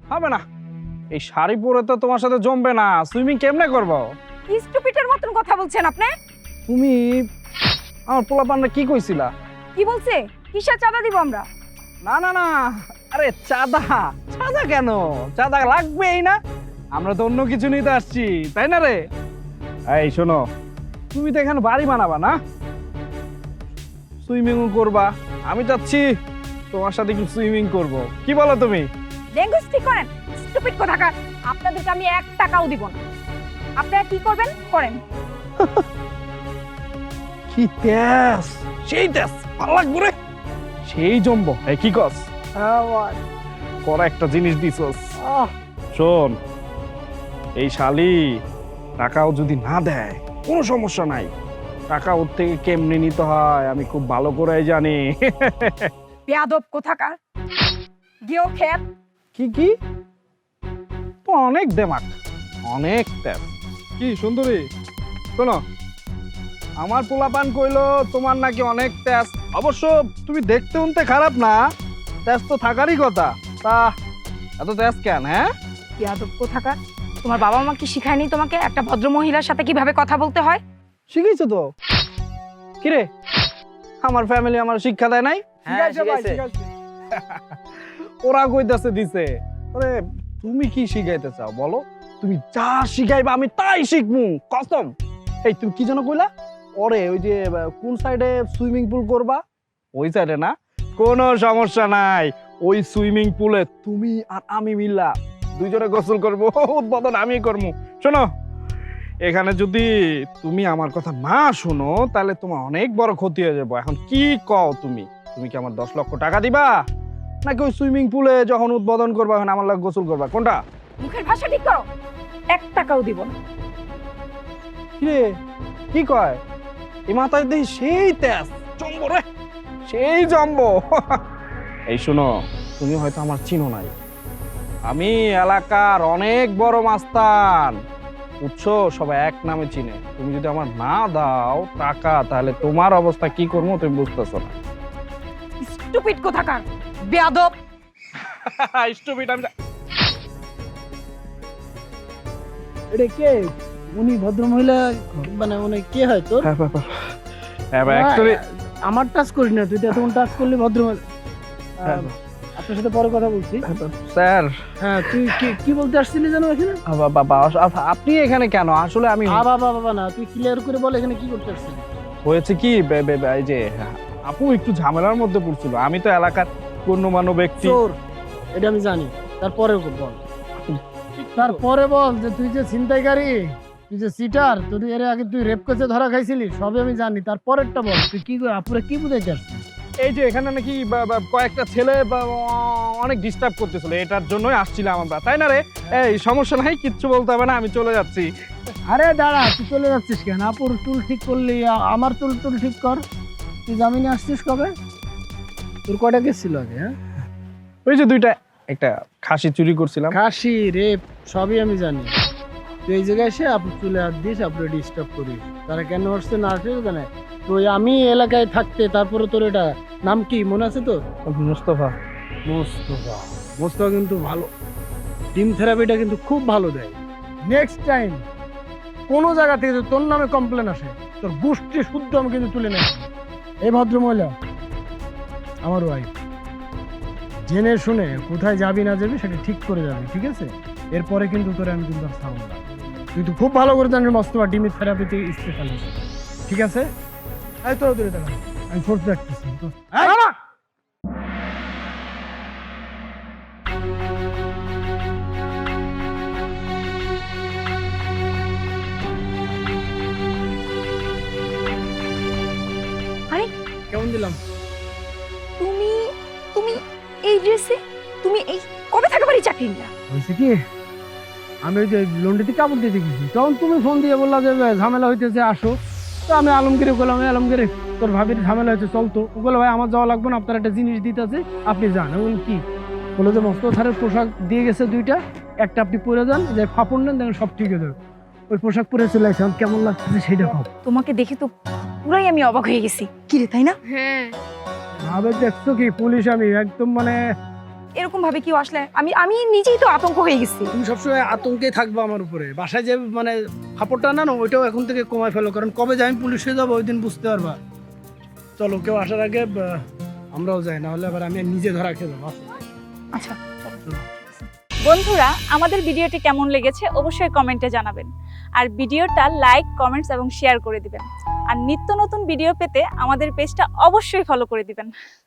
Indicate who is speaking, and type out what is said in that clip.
Speaker 1: হবে না, এই শাড়ি পরে তো তোমার সাথে জমবে না। সুইমিং কেমনে করবো?
Speaker 2: কি স্টুপিডের মতন কথা বলছেন আপনি?
Speaker 1: তুমি আমার পোলাপানরা কি কইছিলা?
Speaker 2: কি বলছে? কিসের চাঁদা দিব আমরা?
Speaker 1: না না না, আরে চাঁদা চাঁদা কেন? চাঁদা লাগবেই না, আমরা তো অন্য কিছু নিতে আসছি, তাই না রে? এই শোনো, তুমি তো এখানে বাড়ি বানাবা না, সুইমিং করবা। আমি চাচ্ছি তোমার সাথে একটু সুইমিং করব, কি বলো তুমি?
Speaker 2: ল্যাঙ্গুয়েজ ঠিক করেন, স্টুপিড কোথাকার। আপনাদেরকে আমি 1 টাকাও দিব না। আপনারা কি করবেন করেন।
Speaker 1: কি তেজ, সেই তেজ ভালো লাগবে রে, সেই জম্ব। এই কি কস? করা একটা জিনিস দিছস। শোন, এই শালি টাকাও যদি না দেয় কোনো সমস্যা নাই, টাকা ওর থেকে কেমনে নিতে হয় আমি খুব ভালো করে জানি।
Speaker 2: বেয়াদব কোথাকার। গিয়েও খেত।
Speaker 1: কি কি? তো অনেক দেমাক, অনেক তেজ। কি সুন্দরী, শোনো, আমার পোলাপান কইলো তোমার নাকি অনেক তেজ। অবশ্য তুমি দেখতে উনতে খারাপ না, তেজ তো থাকারই কথা। তা এত তেজ কেন? হ্যাঁ,
Speaker 2: বেয়াদব কোথাকার। তোমার বাবা মা কি শিখায়নি তোমাকে একটা ভদ্র মহিলার সাথে কিভাবে কথা বলতে হয়?
Speaker 1: শিখেছো তো। কিরে, আমার ফ্যামিলি আমার শিক্ষা দেয় নাই? ওরা কইতাছে দিছে। আরে তুমি কি শিখাইতে চাও বলো? তুমি যা শিখাইবা আমি তাই শিখমু, কসম। এই তুমি কি যেন কইলা? ওরে ওই যে কোন সাইডে সুইমিং পুল করবা? ওই সাইডে না? কোনো সমস্যা নাই, ওই সুইমিং পুলে তুমি আর আমি মিল্লা দুইজনে গোসল করবো, উদ্বোধন আমি করবো। শোনো, এখানে যদি তুমি আমার কথা না শোনো তাহলে তোমার অনেক বড় ক্ষতি হয়ে যাবো। এখন কি কও তুমি? তুমি কি আমার 10 লক্ষ টাকা দিবা, নাকি ওই সুইমিং পুলে যখন উদ্বোধন করবা এখন আমার লাগে গোসল করবা, কোনটা?
Speaker 2: মুখের ভাষা ঠিক করো। 1 টাকাও দিব না।
Speaker 1: কিরে, কি কয়? এই মাথায় দেখি সেই তেজ জম্ব রে, সেই জম্ব। এই শোনো, তুমি হয়তো আমার চিনো নাই, আমি এলাকার অনেক বড় মাস্তান, বুঝছো? সবাই এক নামে চিনে। তুমি যদি আমার না দাও টাকা তাহলে তোমার অবস্থা কি করবো তুমি বুঝতেছো না।
Speaker 2: স্টুপিড কোথাকার, বেয়াদব।
Speaker 1: স্টুপিড আমি।
Speaker 3: এটা কে? উনি ভদ্র মহিলা মানে উনি কে হয় তোর?
Speaker 1: অ্যাকচুয়ালি
Speaker 3: আমার টাচ করিস না, তুই তো এতক্ষণ টাচ করলি ভদ্র মহিলা। আপনার সাথে পরে কথা বলছি।
Speaker 1: স্যার,
Speaker 3: হ্যাঁ, তুই কি বলতে আসছিলি জানো এখানে?
Speaker 1: বাবা আপনি এখানে কেন? আসলে আমি
Speaker 3: বাবা বাবা না, তুই ক্লিয়ার করে বল এখানে কি করতে আসছিলি?
Speaker 1: হয়েছে কি, এই যে আপু একটু ঝামেলার মধ্যে পড়ছিল। আমি তো এলাকার গণ্যমান্য ব্যক্তি।
Speaker 3: চোর, এটা আমি জানি। তারপরে বল, তারপরে বল যে তুই যে ছিনতাইকারী, তুই যে সিটার, তুই এর আগে তুই রেপ কেসে ধরা খাইছিলি, সবই আমি জানি। তারপরেরটা বল, তুই কি আপুরে কি বুঝাইতে আসছিস?
Speaker 1: এই যে এখানে নাকি কয়েকটা ছেলে অনেক ডিস্টার্ব করতেছিল, এটার জন্যই আসছিলাম আমরা, তাই না রে? এই সমস্যা নাই, কিচ্ছু বলতে হবে না, আমি চলে যাচ্ছি।
Speaker 3: আরে দাঁড়া, তুই চলে যাচ্ছিস কেন? আপুর টুল ঠিক করলি, আমার টুল ঠিক কর। তুই জামিনে আসছিস কবে? তোর কয়টা কেস ছিল আগে? হ্যাঁ,
Speaker 1: ওই যে দুইটা, একটা খাসি চুরি করছিলাম।
Speaker 3: খাসি, রেপ, সবই আমি জানি। তুই এই জায়গায় এসে আপুর চুলে হাত দিস, আপুরে ডিস্টার্ব করিস। তারা কেন আসছে না আসছে জানে? তুই আমি এলাকায় থাকতে তারপরে তোর এটা নাম কি মনে আছে তোর?
Speaker 1: মুস্তফা।
Speaker 3: মোস্তফা। মোস্তফা কিন্তু ভালো, টিম থেরাপিটা কিন্তু খুব ভালো দেয়। নেক্সট টাইম কোনো জায়গা থেকে যদি তোর নামে কমপ্লেন আসে, তোর গোষ্ঠী শুদ্ধ আমি কিন্তু তুলে নেব। এই ভদ্র মহিলা আমার ওয়াইফ, জেনে শুনে কোথায় যাবি না যাবি সেটা ঠিক করে যাবি, ঠিক আছে? এরপরে কিন্তু তোরে আমি কিন্তু আর ছাড়ব না। তুই তো খুব ভালো করে জানিস মোস্তফা টিমি থেরাপিতে স্পেশালিস্ট, ঠিক আছে? এই তো দূরে দাঁড়া, আমি ফোর্স রাখতেছি।
Speaker 2: আরে
Speaker 3: কেমন দিলাম?
Speaker 2: তুমি তুমি এই ড্রেসে, তুমি এই কবে থেকে বাড়ি চাকরি নিলা?
Speaker 3: হয়েছে কি, আমি ওই যে লন্ড্রিতে কাপড় দিতে গেছি, তখন তুমি ফোন দিয়ে বললা যে ঝামেলা হইতেছে আসো। তো আমি আলমগীরে বললাম, আলমগীরে তোর ভাবির ঝামেলা হয়েছে চলতো। ও বলে ভাই আমার যাওয়া লাগবে না, আপনার একটা জিনিস দিতে আছে, আপনি যান। এবং কি বলে যে মস্ত থারের পোশাক দিয়ে গেছে দুইটা, একটা আপনি পরে যান, যে ফাপড় নেন, দেখেন সব ঠিক হয়ে যাবে। ওই পোশাক পরে চলে আসলাম, কেমন লাগতেছে সেটা ভাব।
Speaker 2: তোমাকে দেখে তো পুরাই আমি অবাক হয়ে গেছি। কি রে, তাই না?
Speaker 4: হ্যাঁ,
Speaker 3: ভাবে দেখছো কি পুলিশ, আমি একদম মানে
Speaker 2: এরকম ভাবে কেউ আসলে আমি আমি নিজেই তো আতঙ্ক হয়ে গেছি।
Speaker 3: তুমি সবসময় আতঙ্কে থাকবে আমার উপরে। বাসায় যে মানে ফাপড়টা না ওইটাও এখন থেকে কমায় ফেলো, কারণ কবে যে আমি পুলিশে যাবো ওই দিন বুঝতে পারবা। চলো, কেউ আসার আগে আমরাও যাই, না হলে আবার আমি নিজে ধরা খেয়ে যাবো।
Speaker 2: আচ্ছা
Speaker 4: বন্ধুরা, আমাদের ভিডিওটি কেমন লেগেছে অবশ্যই কমেন্টে জানাবেন। আর ভিডিওটা লাইক, কমেন্টস এবং শেয়ার করে দিবেন। আর নিত্য নতুন ভিডিও পেতে আমাদের পেজটা অবশ্যই ফলো করে দিবেন।